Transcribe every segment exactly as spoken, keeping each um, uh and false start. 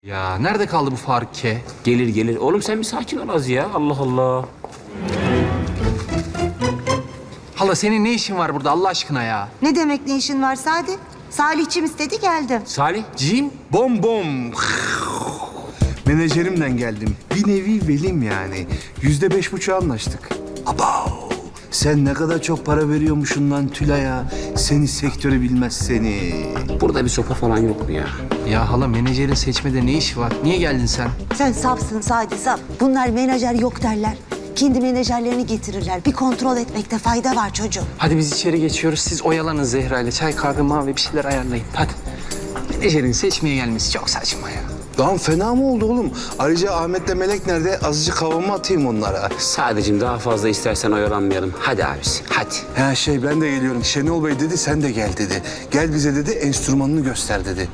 Ya nerede kaldı bu Faruk K? Gelir gelir. Oğlum sen bir sakin ol az ya. Allah Allah. Hala senin ne işin var burada Allah aşkına ya? Ne demek ne işin var Sadi? Salihçim istedi geldim. Salih. Cim? Bom bom. Menajerimden geldim. Bir nevi velim yani. Yüzde beş buçuğa anlaştık. Abav. Sen ne kadar çok para veriyormuşsun lan Tülay'a. Seni sektörü bilmez seni. Burada bir sopa falan yok mu ya? Ya hala menajerin seçmede ne işi var? Niye geldin sen? Sen safsın Sadi saf. Bunlar menajer yok derler. Kendi menajerlerini getirirler. Bir kontrol etmekte fayda var çocuğum. Hadi biz içeri geçiyoruz. Siz oyalanın Zehra ile. Çay, kahve, mavi bir şeyler ayarlayın. Hadi. Menajerin seçmeye gelmesi çok saçma ya. Lan fena mı oldu oğlum? Ayrıca Ahmet'le Melek nerede? Azıcık havamı atayım onlara. Sadece daha fazla istersen oyalanmayalım. Hadi abisi hadi. Ha şey ben de geliyorum. Şenol Bey dedi sen de gel dedi. Gel bize dedi enstrümanını göster dedi.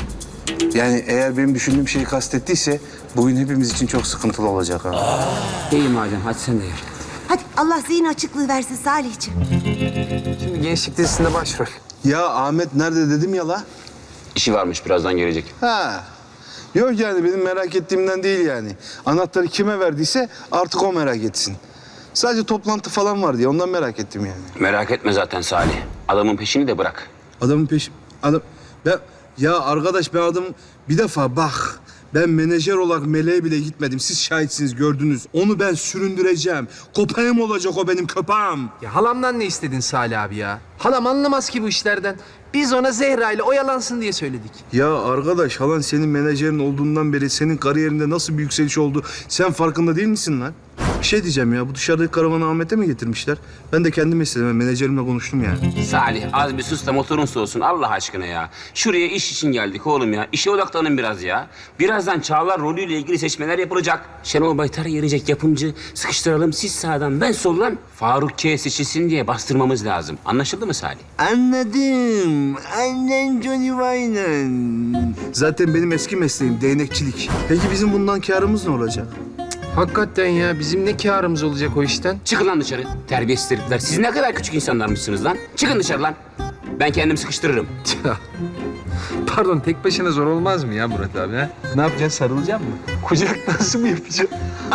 Yani eğer benim düşündüğüm şeyi kastettiyse bugün hepimiz için çok sıkıntılı olacak ha. İyi madem hadi sen de gel. Hadi Allah zihin açıklığı versin Salihçim. Şimdi gençlik dizisinde başrol. Ya Ahmet nerede dedim ya la? İşi varmış birazdan gelecek. Ha. Yok yani benim merak ettiğimden değil yani. Anahtarı kime verdiyse artık o merak etsin. Sadece toplantı falan var diye ondan merak ettim yani. Merak etme zaten Salih. Adamın peşini de bırak. Adamın peşi... Adam... Ben... Ya arkadaş ben adam... Bir defa bak... Ben menajer olarak meleğe bile gitmedim. Siz şahitsiniz, gördünüz. Onu ben süründüreceğim. Köpeğim olacak o benim köpeğim. Ya halamdan ne istedin Salih abi ya? Halam anlamaz ki bu işlerden. Biz ona Zehra ile oyalansın diye söyledik. Ya arkadaş halan senin menajerin olduğundan beri senin kariyerinde nasıl bir yükseliş oldu sen farkında değil misin lan? Bir şey diyeceğim ya bu dışarıdaki karavanı Ahmet'e mi getirmişler? Ben de kendim istedim. Ben menajerimle konuştum yani. Salih az bir sus da motorun soğusun Allah aşkına ya. Şuraya iş için geldik oğlum ya. İşe odaklanın biraz ya. Birazdan Çağlar rolüyle ilgili seçmeler yapılacak. Şenol Baytar gelecek yapımcı. Sıkıştıralım siz sağdan ben soldan. Faruk K seçilsin diye bastırmamız lazım. Anlaşıldı mı Salih? Anladım. Annen Johnny Wayne'ın. Zaten benim eski mesleğim değnekçilik. Peki bizim bundan kârımız ne olacak? Hakikaten ya bizim ne kârımız olacak o işten? Çıkın lan dışarı. Terbiyesiz herifler. Siz ne kadar küçük insanlarmışsınız lan. Çıkın dışarı lan. Ben kendim sıkıştırırım. Pardon tek başına zor olmaz mı ya Murat abi ha? Ne yapacaksın sarılacak mı? Kucak nasıl mı yapacağım?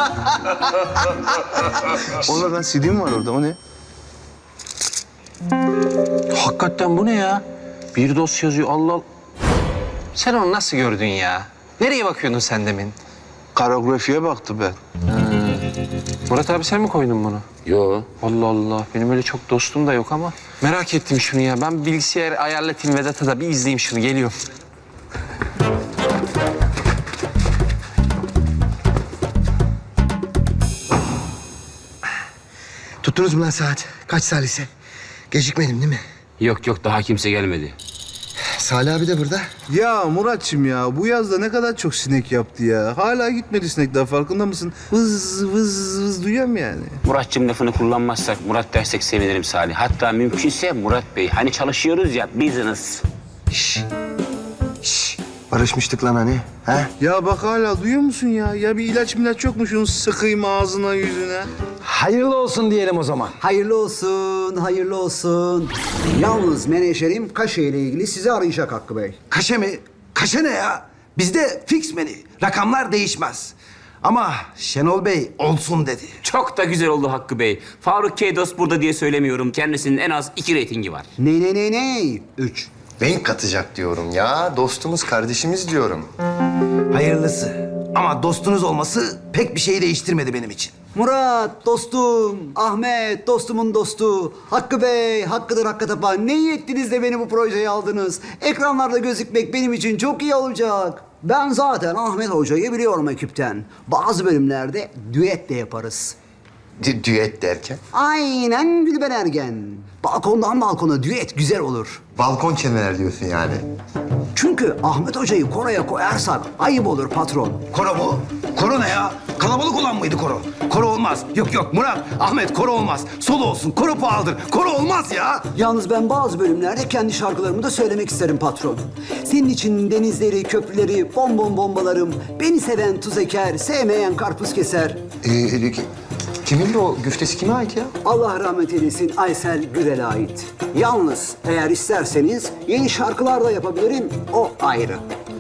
Orada lan C D'm var orada o ne? Hakikaten bu ne ya? Bir dosya yazıyor Allah Allah. Sen onu nasıl gördün ya? Nereye bakıyordun sen demin? Koreografiye baktı ben. Murat abi sen mi koydun bunu? Yo. Allah Allah. Benim öyle çok dostum da yok ama. Merak ettim şunu ya. Ben bilgisayar ayarlatayım Vedat'a da bir izleyeyim şunu. Geliyorum. Tuttunuz mu lan saat? Kaç salise? Gecikmedim değil mi? Yok yok daha kimse gelmedi. Salih abi de burada. Ya Muratçım ya bu yazda ne kadar çok sinek yaptı ya. Hala gitmedi sinek daha farkında mısın? Vız vız vız duyuyorum yani. Muratçım lafını kullanmazsak Murat dersek sevinirim Salih. Hatta mümkünse Murat Bey. Hani çalışıyoruz ya business. Şş. Şş. Barışmıştık lan hani. Ha? Ya bak hala duyuyor musun ya? Ya bir ilaç milaç yok mu şunu sıkayım ağzına yüzüne? Hayırlı olsun diyelim o zaman. Hayırlı olsun, hayırlı olsun. Yalnız menajerim Kaşe ile ilgili sizi arayacak Hakkı Bey. Kaşe mi? Kaşe ne ya? Bizde fix menü. Rakamlar değişmez. Ama Şenol Bey olsun dedi. Çok da güzel oldu Hakkı Bey. Faruk K. Dost burada diye söylemiyorum. Kendisinin en az iki reytingi var. Ne ne ne ne? Üç. Renk katacak diyorum ya. Dostumuz, kardeşimiz diyorum. Hayırlısı. Ama dostunuz olması pek bir şey değiştirmedi benim için. Murat dostum, Ahmet dostumun dostu, Hakkı Bey, Hakkıdır Hakkı Tapa. Ne iyi ettiniz de beni bu projeye aldınız. Ekranlarda gözükmek benim için çok iyi olacak. Ben zaten Ahmet Hoca'yı biliyorum ekipten. Bazı bölümlerde düet de yaparız. Dü- düet derken. Aynen Gülben Ergen. Balkondan balkona düet güzel olur. Balkon kenarı diyorsun yani. Çünkü Ahmet Hoca'yı koroya koyarsak ayıp olur patron. Koro mu? Koro ne ya? Kalabalık olan mıydı koro? Koro olmaz. Yok yok Murat, Ahmet koro olmaz. Solo olsun, koro pahalıdır. Koro olmaz ya. Yalnız ben bazı bölümlerde kendi şarkılarımı da söylemek isterim patron. Senin için denizleri, köprüleri, bonbon bombalarım. Beni seven tuz eker, sevmeyen karpuz keser. Ee, ki- kimin de o güftesi kime ait ya? Allah rahmet eylesin Aysel Gürel'e ait. Yalnız eğer isterseniz yeni şarkılar da yapabilirim, o ayrı.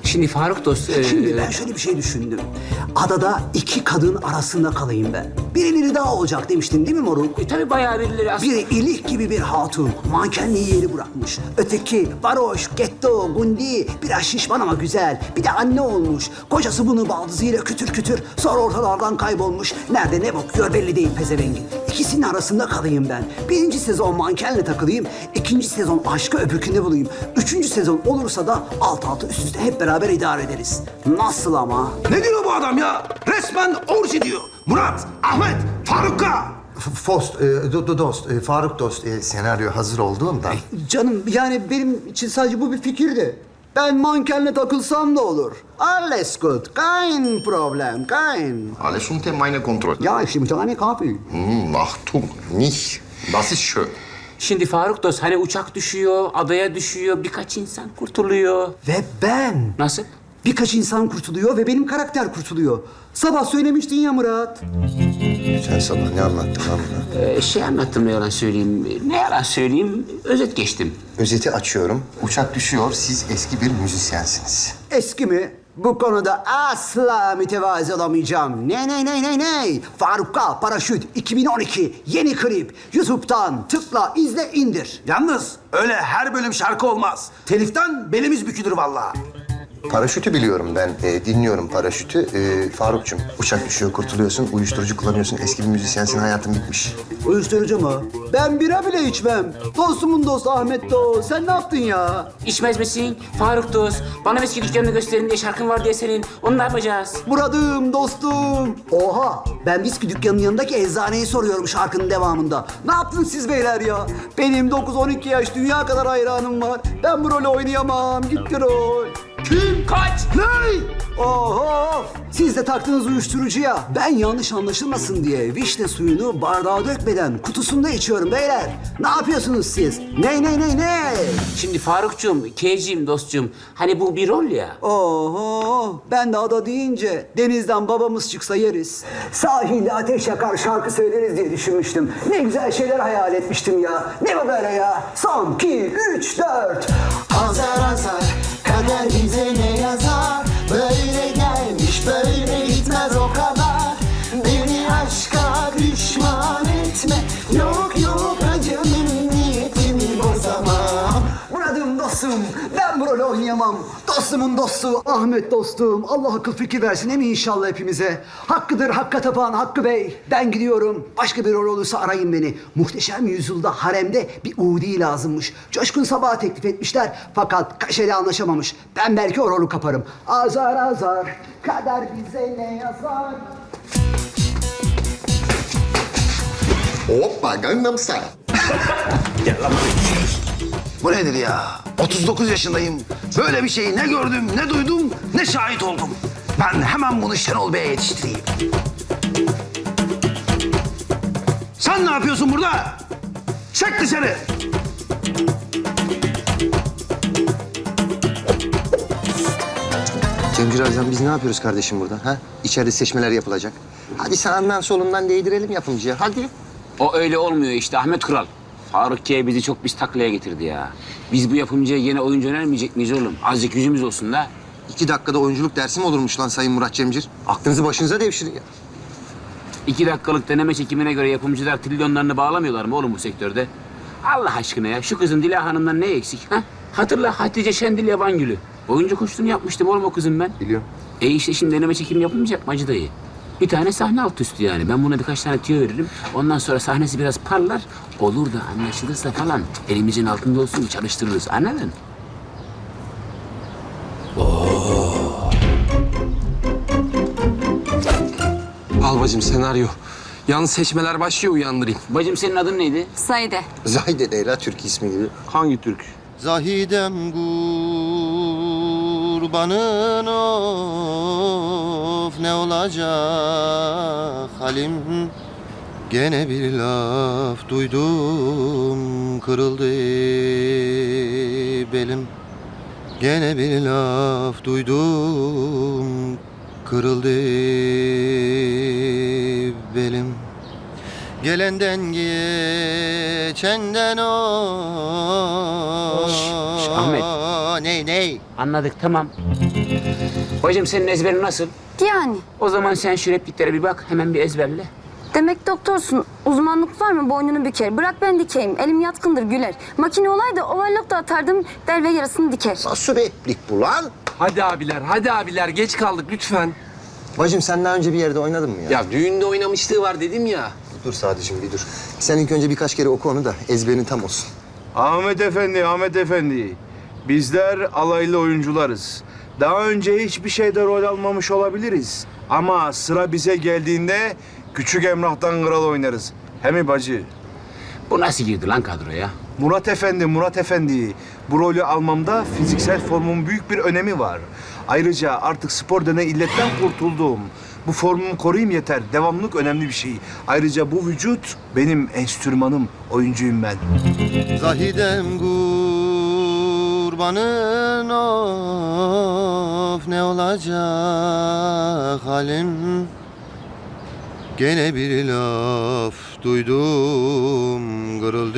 Şimdi Faruk dost... e, Şimdi ben şöyle bir şey düşündüm. Adada iki kadın arasında kalayım ben. Birileri daha olacak demiştin değil mi moruk? E, tabii bayağı birileri aslında... Biri ilik gibi bir hatun, mankenliği yeri bırakmış. Öteki varoş, getto, gundi, biraz şişman ama güzel. Bir de anne olmuş. Kocası bunu baldızıyla kütür kütür, sonra ortalardan kaybolmuş. Nerede ne bakıyor belli değil pezevengin. İkisinin arasında kalayım ben. Birinci sezon mankenle takılayım, ikinci sezon aşkı öbürkünde bulayım. Üçüncü sezon olursa da alt alta üst üste hep beraber idare ederiz. Nasıl ama? Ne diyor bu adam ya? Resmen orji diyor. Murat, Ahmet, Faruk'a. F- Fost, e, do- do- dost, e, Faruk dost, e, senaryo hazır olduğunda... Canım yani benim için sadece bu bir fikirdi. Ben mankenle takılsam da olur. Alles gut, kein Problem, kein. Alles unter meiner Kontrolle. Ja, ich nehme eine Kaffee. Hmm, Achtung, nicht. Das ist schön. Şimdi Faruk dost hani uçak düşüyor, adaya düşüyor, birkaç insan kurtuluyor. Ve ben. Nasıl? Birkaç insan kurtuluyor ve benim karakter kurtuluyor. Sabah söylemiştin ya Murat. Sen sabah ne anlattın lan buna? Ee, şey anlattım ne yalan söyleyeyim. Ne yalan söyleyeyim, özet geçtim. Özeti açıyorum. Uçak düşüyor, siz eski bir müzisyensiniz. Eski mi? Bu konuda asla mütevazi olamayacağım. Ne ne ne ne ne? Faruk K. Paraşüt iki bin on iki yeni klip. YouTube'dan tıkla, izle, indir. Yalnız öyle her bölüm şarkı olmaz. Teliften belimiz bükülür vallahi. Paraşütü biliyorum ben, e, dinliyorum paraşütü. E, Faruk'cum, uçak düşüyor, kurtuluyorsun, uyuşturucu kullanıyorsun, eski bir müzisyensin, hayatın bitmiş. Uyuşturucu mu? Ben bira bile içmem. Dostumun dostu Ahmet Doğu. Sen ne yaptın ya? İçmez misin? Faruk dost, bana viski dükkanını gösterin diye şarkın var diye senin. Onu ne yapacağız? Murat'ım, dostum. Oha, ben viski dükkanının yanındaki eczaneyi soruyorum şarkının devamında. Ne yaptın siz beyler ya? Benim dokuz on iki yaş dünya kadar hayranım var. Ben bu rolü oynayamam. Gitti rol. Kim? Kaç? Ne? Oho! Siz de taktınız uyuşturucuya. Ben yanlış anlaşılmasın diye vişne suyunu bardağa dökmeden kutusunda içiyorum beyler. Ne yapıyorsunuz siz? Ne ne ne ne? Şimdi Farukcuğum, K'ciğim, dostcuğum. Hani bu bir rol ya. Oho! Ben de ada deyince denizden babamız çıksa yeriz. Sahilde ateş yakar şarkı söyleriz diye düşünmüştüm. Ne güzel şeyler hayal etmiştim ya. Ne bu böyle ya? Son, iki, üç, dört. Azar azar kader bize ne yazar? Böyle gelmiş böyle gitmez o kadar. Beni aşka düşman etme. Yok yok acımın niyetimi bozamam. Murat'ım dostum, ben bu rolü oynayamam. Dostumun dostu, Ahmet dostum. Allah akıl fikir versin emin inşallah hepimize. Hakkıdır Hakka tapan Hakkı Bey. Ben gidiyorum. Başka bir rol olursa arayın beni. Muhteşem Yüzyılda haremde bir Udi lazımmış. Coşkun Sabah'a teklif etmişler. Fakat kaşeli anlaşamamış. Ben belki o rolü kaparım. Azar azar, kader bize ne yazar? Hoppa, Gangnam Style. Bu nedir ya? otuz dokuz yaşındayım. Böyle bir şeyi ne gördüm, ne duydum, ne şahit oldum. Ben hemen bunu Şenol Bey'e yetiştireyim. Sen ne yapıyorsun burada? Çek dışarı. Cemcir Arzan, biz ne yapıyoruz kardeşim burada? Ha? İçeride seçmeler yapılacak. Hadi sağından solundan değdirelim yapımcıya, hadi. O öyle olmuyor işte Ahmet Kural. Faruk K bizi çok biz taklaya getirdi ya. Biz bu yapımcıya yine oyuncu önermeyecek miyiz oğlum? Azıcık yüzümüz olsun da. İki dakikada oyunculuk dersi mi olurmuş lan Sayın Murat Cemcir? Aklınızı başınıza devşirin ya. İki dakikalık deneme çekimine göre yapımcılar trilyonlarını bağlamıyorlar mı oğlum bu sektörde? Allah aşkına ya şu kızın Dila Hanım'dan ne eksik ha? Hatırla Hatice Şendil Yabangül'ü. Oyuncu koştuğunu yapmıştım oğlum o kızın ben. Biliyorum. E işte şimdi deneme çekimi yapılmayacak mı Hacı dayı? Bir tane sahne alt üstü yani. Ben buna birkaç tane tüyo veririm. Ondan sonra sahnesi biraz parlar. Olur da anlaşılırsa falan elimizin altında olsun çalıştırırız. Anladın? Al bacım senaryo. Yalnız seçmeler başlıyor uyandırayım. Bacım senin adın neydi? Saide. Zahide değil ha, Türk ismi gibi. Hangi Türk? Zahidem kurbanın of, ne olacak halim? Gene bir laf duydum, kırıldı belim. Gene bir laf duydum, kırıldı belim. Gelenden geçenden o. Şş, Ahmet. Ney ney? Anladık, tamam. Bacım senin ezberin nasıl? Yani. O zaman sen şu repliklere bir bak, hemen bir ezberle. Demek doktorsun. Uzmanlık var mı boynunu büker. Bırak ben dikeyim. Elim yatkındır güler. Makine olaydı overlock da atardım der ve yarısını diker. Nasıl replik bu lan? Hadi abiler, hadi abiler. Geç kaldık lütfen. Bacım sen daha önce bir yerde oynadın mı ya? Ya düğünde oynamışlığı var dedim ya. Dur Sadıcığım bir dur. Sen ilk önce birkaç kere oku onu da ezberin tam olsun. Ahmet Efendi, Ahmet Efendi. Bizler alaylı oyuncularız. Daha önce hiçbir şeyde rol almamış olabiliriz. Ama sıra bize geldiğinde Küçük Emrah'tan kral oynarız. He mi bacı? Bu nasıl girdi lan kadroya? Murat Efendi, Murat Efendi. Bu rolü almamda fiziksel formun büyük bir önemi var. Ayrıca artık spor denen illetten kurtuldum. Bu formumu koruyayım yeter. Devamlılık önemli bir şey. Ayrıca bu vücut benim enstrümanım. Oyuncuyum ben. Zahidem kurbanın of ne olacak halim. Gene bir laf duydum kırıldı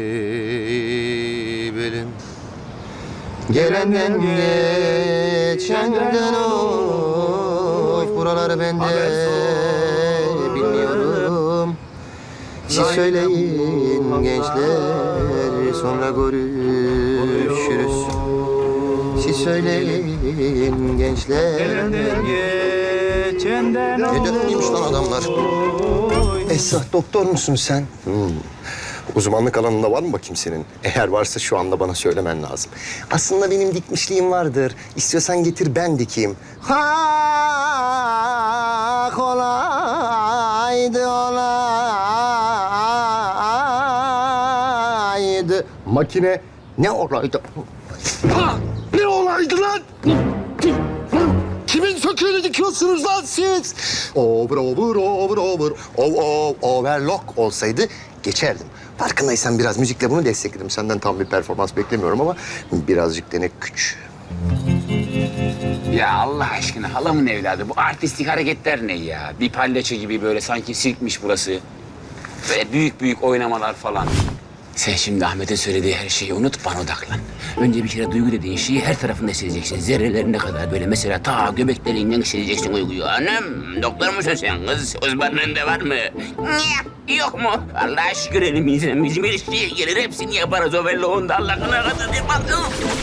belim. Gelenden geçenden of buraları ben de bilmiyorum. Siz söyleyin gençler sonra görüşürüz. Siz söyleyin gençler. Ne dönmüş lan adamlar? Esra doktor musun sen? Hmm. Uzmanlık alanında var mı bakayım senin? Eğer varsa şu anda bana söylemen lazım. Aslında benim dikmişliğim vardır. İstiyorsan getir ben dikeyim. Ha kolaydı olaydı. Makine ne olaydı? Ha ne olaydı lan? Kimin söküğünü dikiyorsunuz lan siz? Over, over, over, over, over, over, overlock olsaydı geçerdim. Farkındaysan biraz müzikle bunu destekledim. Senden tam bir performans beklemiyorum ama birazcık dene küç. Ya Allah aşkına halamın evladı bu artistik hareketler ne ya? Bir palyaço gibi böyle sanki sirkmiş burası. Böyle büyük büyük oynamalar falan. Sen şimdi Ahmet'e söylediği her şeyi unut, bana odaklan. Önce bir kere duygu dediğin şeyi her tarafında hissedeceksin. Zerrelerine kadar böyle mesela ta göbeklerinden hissedeceksin duyguyu. Anam, doktor musun sen kız? Uzmanlığında var mı? Niye? Yok mu? Allah'a şükür elimizden bizim ilişkiye gelir. Hepsini yaparız o belli onda. Allah'ına kadar yaparız.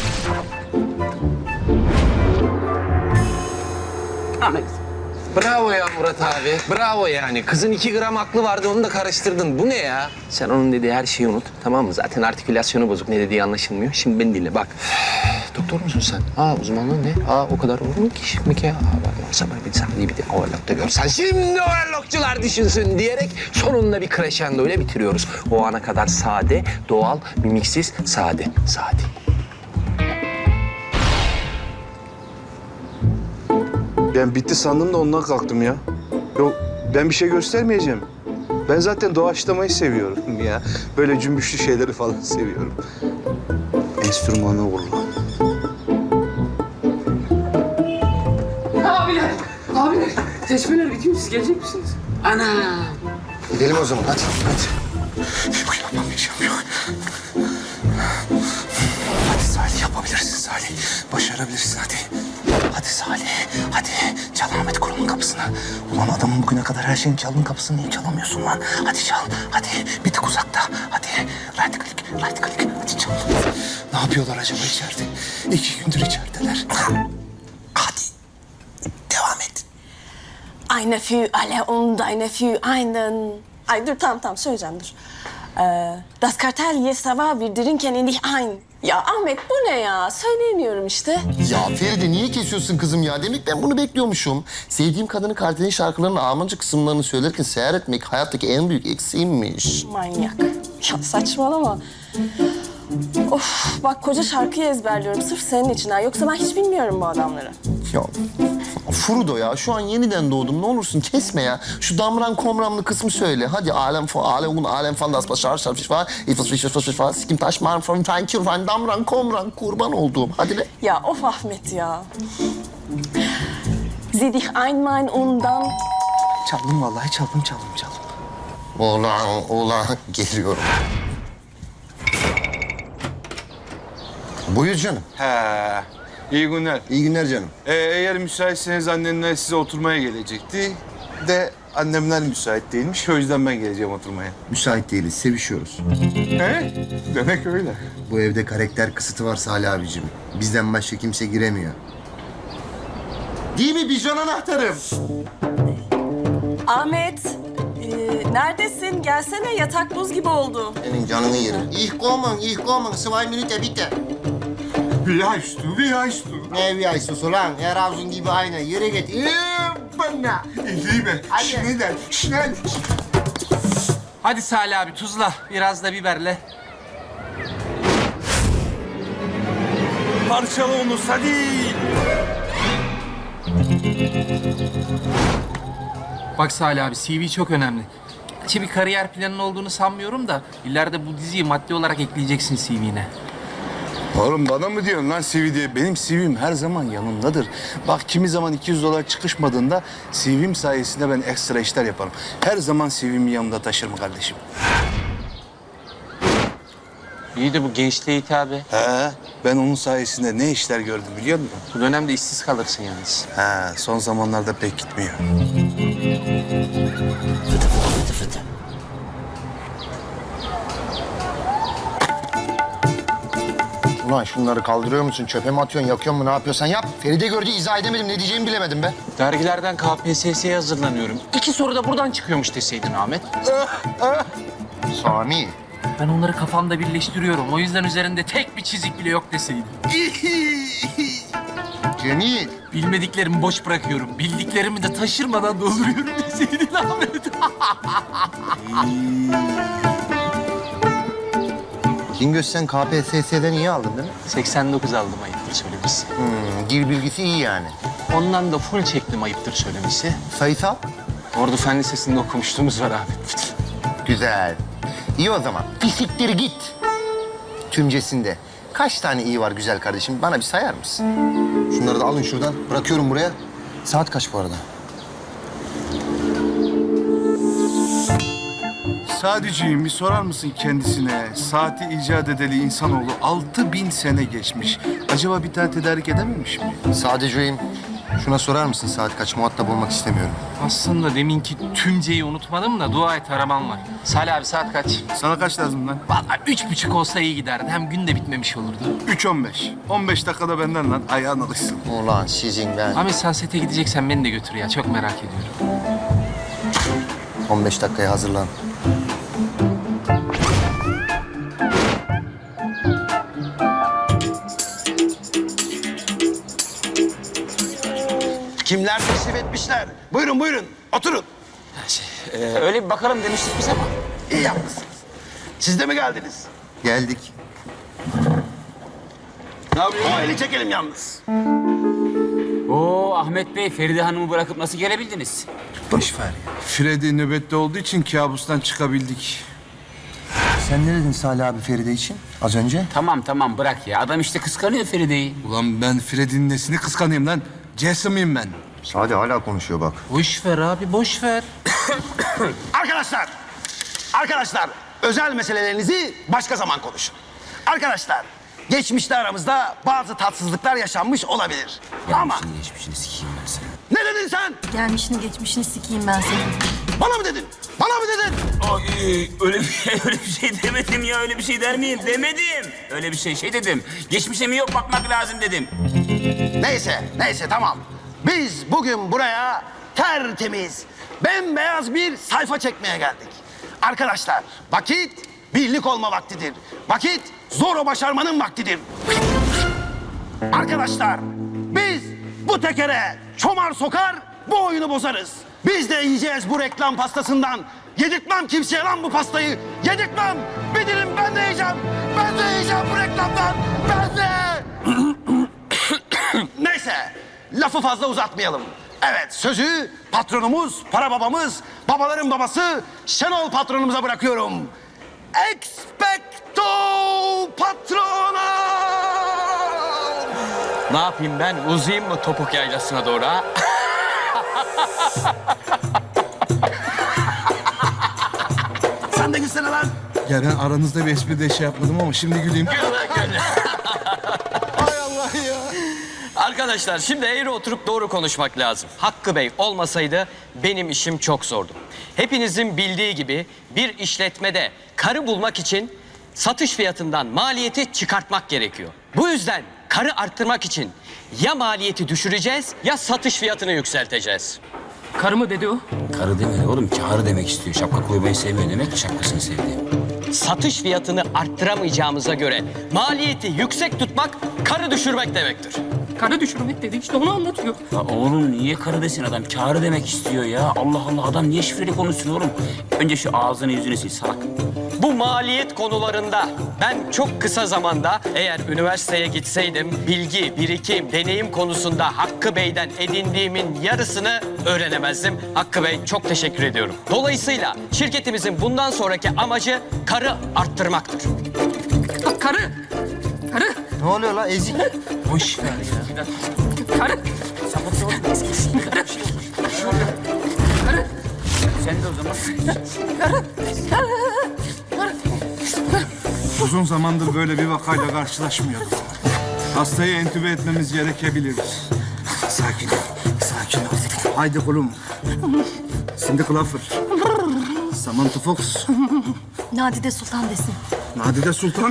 Ahmet. Bravo ya Murat abi. Bravo yani. Kızın iki gram aklı vardı onu da karıştırdın. Bu ne ya? Sen onun dediği her şeyi unut. Tamam mı? Zaten artikülasyonu bozuk. Ne dediği anlaşılmıyor. Şimdi beni dinle bak. Doktor musun sen? Aa uzmanlığın ne? Aa o kadar olur mu ki şimdi ki? Aa bak sabah bir saniye bir de overlock'ta görsen. Şimdi overlockçular düşünsün diyerek sonunda bir crescendo ile bitiriyoruz. O ana kadar sade, doğal, mimiksiz, sade. Sade. Ben bitti sandım da ondan kalktım ya. Yok ben bir şey göstermeyeceğim. Ben zaten doğaçlamayı seviyorum ya. Böyle cümbüşlü şeyleri falan seviyorum. Enstrümanı vurma. Abiler, abiler. Seçmeler bitiyor. Siz gelecek misiniz? Ana. Gidelim o zaman hadi. Hadi. Yapamayacağım yok. Hadi Salih yapabilirsin Salih. Başarabilirsin hadi. Hadi Salih. Hadi çal Ahmet Kurum'un kapısını. Ulan adamın bugüne kadar her şeyin çaldığın kapısını niye çalamıyorsun lan? Hadi çal. Hadi bir tık uzakta. Hadi right click, right click. Hadi çal. Ne yapıyorlar acaba içeride? İki gündür içerideler. Hadi. Devam et. Eine für alle und eine für einen. Ay dur tamam tamam söyleyeceğim dur. Ee, das Kartell jetzt aber wir trinken in dich ein. Ya Ahmet bu ne ya? Söyleyemiyorum işte. Ya Feride niye kesiyorsun kızım ya? Demek ben bunu bekliyormuşum. Sevdiğim kadını Kartel'in şarkılarının Almanca kısımlarını söylerken seyretmek hayattaki en büyük eksiğimmiş. Manyak. Ya saçmalama. Of bak koca şarkıyı ezberliyorum sırf senin için ha. Yoksa ben hiç bilmiyorum bu adamları. Ya Frodo ya şu an yeniden doğdum. Ne olursun kesme ya. Şu damran komramlı kısmı söyle. Hadi alem fa alem un alem fan das başar şarf var. İfas fiş fiş fiş fiş kim taş man from thank you fan damran komran kurban olduğum. Hadi be. Ya of Ahmet ya. Sieh dich einmal und dann... Çaldım vallahi çaldım çaldım çaldım. Ulan ulan geliyorum. Buyur canım. He. İyi günler. İyi günler canım. Ee, eğer müsaitseniz annenler size oturmaya gelecekti. De annemler müsait değilmiş. O yüzden ben geleceğim oturmaya. Müsait değiliz, sevişiyoruz. He? Demek öyle. Bu evde karakter kısıtı var Salih abicim. Bizden başka kimse giremiyor. Değil mi bijon anahtarım? Ahmet, e, neredesin? Gelsene, yatak buz gibi oldu. Senin canını yerim. Ich kommen, ich kommen. Zwei Minuten bitte. Wie heißt du? Wie heißt du? Ne wie heißt du lan? Her havuzun gibi aynı. Yere git. Bana. Ich liebe. Schnell, schnell. Hadi Salih abi tuzla, biraz da biberle. Parçala onu hadi. Bak Salih abi, C V çok önemli. Gerçi bir kariyer planın olduğunu sanmıyorum da ileride bu diziyi maddi olarak ekleyeceksin C V'ne. Oğlum bana mı diyorsun lan C V diye? Benim C V'm her zaman yanımdadır. Bak kimi zaman iki yüz dolar çıkışmadığında C V'm sayesinde ben ekstra işler yaparım. Her zaman C V'mi yanımda taşırım kardeşim. İyi de bu gençliğe hitabı. He, ben onun sayesinde ne işler gördüm biliyor musun? Bu dönemde işsiz kalırsın yalnız. He, son zamanlarda pek gitmiyor. Ulan şunları kaldırıyor musun? Çöpe mi atıyorsun? Yakıyor mu? Ne yapıyorsan yap. Feride gördü, izah edemedim. Ne diyeceğimi bilemedim be. Dergilerden K P S S'ye hazırlanıyorum. İki soru da buradan çıkıyormuş deseydin Ahmet. Sami. Ben onları kafamda birleştiriyorum. O yüzden üzerinde tek bir çizik bile yok deseydin. Cemil. Bilmediklerimi boş bırakıyorum. Bildiklerimi de taşırmadan dolduruyorum deseydin Ahmet. Kingöz sen K P S S'den iyi aldın değil mi? seksen dokuz aldım ayıptır söylemesi. Hmm, dil bilgisi iyi yani. Ondan da full çektim ayıptır söylemesi. Sayısal? Ordu Fen Lisesi'nde okumuşluğumuz var Ahmet. Güzel. İyi o zaman. Fisiktir git. Tümcesinde. Kaç tane iyi var güzel kardeşim? Bana bir sayar mısın? Şunları da alın şuradan. Bırakıyorum buraya. Saat kaç bu arada? Sadiciğim bir sorar mısın kendisine? Saati icat edeli insanoğlu altı bin sene geçmiş. Acaba bir tane tedarik edememiş mi? Sadece'yim. Şuna sorar mısın saat kaç? Muhatap olmak istemiyorum. Aslında deminki tümceyi unutmadım da dua et araman var. Salih abi saat kaç? Sana kaç lazım lan? Vallahi üç buçuk olsa iyi giderdi. Hem gün de bitmemiş olurdu. üç on beş. on beş dakikada benden lan. Ayağın alışsın. Ulan sizin ben. Ahmet sen sete gideceksen beni de götür ya. Çok merak ediyorum. on beş dakikaya hazırlan. Kimler teşrif etmişler? Buyurun buyurun oturun. Ee, öyle bir bakalım demiştik biz ama. İyi yapmışsınız. Siz de mi geldiniz? Geldik. Ne yapıyorsun? O eli çekelim yalnız. Oo Ahmet Bey, Feride Hanım'ı bırakıp nasıl gelebildiniz? Boş ver ya. Freddy nöbette olduğu için kabustan çıkabildik. Sen ne dedin Salih abi Feride için az önce? Tamam tamam bırak ya. Adam işte kıskanıyor Feride'yi. Ulan ben Freddy'nin nesini kıskanayım lan? Jason'ıyım ben. Salih hala konuşuyor bak. Boş ver abi boş ver. Arkadaşlar, arkadaşlar özel meselelerinizi başka zaman konuşun. Arkadaşlar, geçmişte aramızda bazı tatsızlıklar yaşanmış olabilir. Ama Şimdi geçmişini sikeyim ben sana. ne dedin sen? Gelmişini geçmişini sikeyim ben senin. Bana mı dedin? Bana mı dedin? Ay, öyle bir şey, öyle bir şey demedim ya. Öyle bir şey der miyim? Demedim. Öyle bir şey şey dedim. Geçmişe mi yok bakmak lazım dedim. Neyse, neyse tamam. Biz bugün buraya tertemiz, bembeyaz bir sayfa çekmeye geldik. Arkadaşlar, vakit birlik olma vaktidir. Vakit zor başarmanın vaktidir. Arkadaşlar, biz bu tekere çomar sokar, bu oyunu bozarız. Biz de yiyeceğiz bu reklam pastasından. Yedirtmem kimseye lan bu pastayı. Yedirtmem. Bir dilim ben de yiyeceğim. Ben de yiyeceğim bu reklamdan. Ben de. Neyse, lafı fazla uzatmayalım. Evet, sözü patronumuz, para babamız, babaların babası Şenol patronumuza bırakıyorum. Expecto patrona! Ne yapayım ben? Uzayayım mı topuk yaylasına doğru ha? Sen de gülsene lan. Ya ben aranızda bir espri de şey yapmadım ama şimdi güleyim. Hay Allah ya. Arkadaşlar şimdi eğri oturup doğru konuşmak lazım. Hakkı Bey olmasaydı benim işim çok zordu. Hepinizin bildiği gibi bir işletmede karı bulmak için satış fiyatından maliyeti çıkartmak gerekiyor. Bu yüzden karı arttırmak için ya maliyeti düşüreceğiz ya satış fiyatını yükselteceğiz. Karı mı dedi o? Karı demedi oğlum. Karı demek istiyor. Şapka koymayı sevmiyor demek ki şapkasını sevdi. Satış fiyatını arttıramayacağımıza göre maliyeti yüksek tutmak karı düşürmek demektir. Karı düşürmek dedi işte onu anlatıyor. Ya oğlum niye karı desin adam? Karı demek istiyor ya. Allah Allah adam niye şifreli konuşsun oğlum? Önce şu ağzını yüzünü sil salak. Bu maliyet konularında ben çok kısa zamanda eğer üniversiteye gitseydim bilgi, birikim, deneyim konusunda Hakkı Bey'den edindiğimin yarısını öğrenemezdim. Hakkı Bey çok teşekkür ediyorum. Dolayısıyla şirketimizin bundan sonraki amacı karı arttırmaktır. Bak karı. Karı. Ne oluyor la ezik? Boş ver ya. Karı. Sapık oğlum. Karı. Karı. Sen de o zaman. Karı. Uzun zamandır böyle bir vakayla karşılaşmıyordum. Hastayı entübe etmemiz gerekebilir. Sakin ol, sakin ol. Haydi kulum. Cindy Crawford. Samantha Fox. Nadide Sultan desin. Nadide Sultan.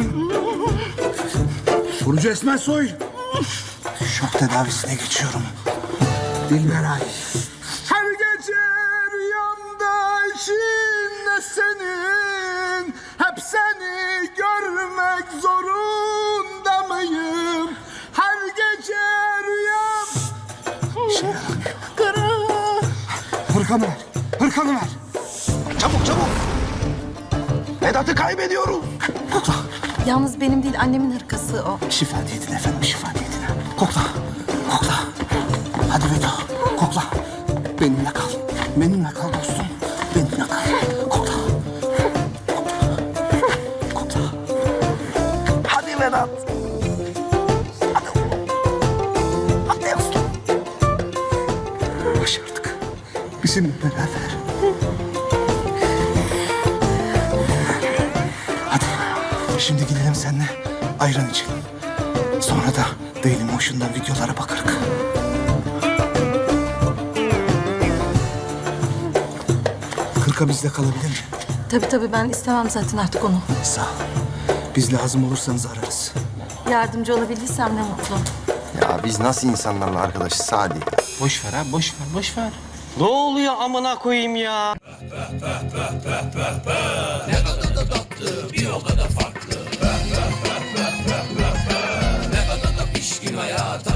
Burcu Esmer Soy. Şok tedavisine geçiyorum. Dilberay. Her gece rüyamda içinde senin. Hep seni görmek zorunda mıyım? Her gece rüyam... Hırkanı ver, hırkanı ver. Çabuk çabuk. Vedat'ı kaybediyoruz. Kokla. Yalnız benim değil annemin hırkası o. Şifa diyedin efendim, şifa diyedin. Kokla, kokla. Hadi Vedat, kokla. Benimle kal. Benimle kal dostum. Benimle kal. Kokla. Kokla. Hadi Vedat. Hadi oğlum. Hadi dostum. Başardık. Bizimle beraber. Hadi. Şimdi gidelim seninle ayran içelim. Sonra da Dailymotion'dan videolara bakarız. Kırka bizde kalabilir mi? Tabii tabii ben istemem zaten artık onu. Sağ ol. Biz lazım olursanız ararız. Yardımcı olabildiysem ne mutlu. Ya biz nasıl insanlarla arkadaşız Sadi? Boş ver ha boş ver boş ver. Ne oluyor amına koyayım ya? Bir o kadar farklı. Ne kadar da pişkin hayata.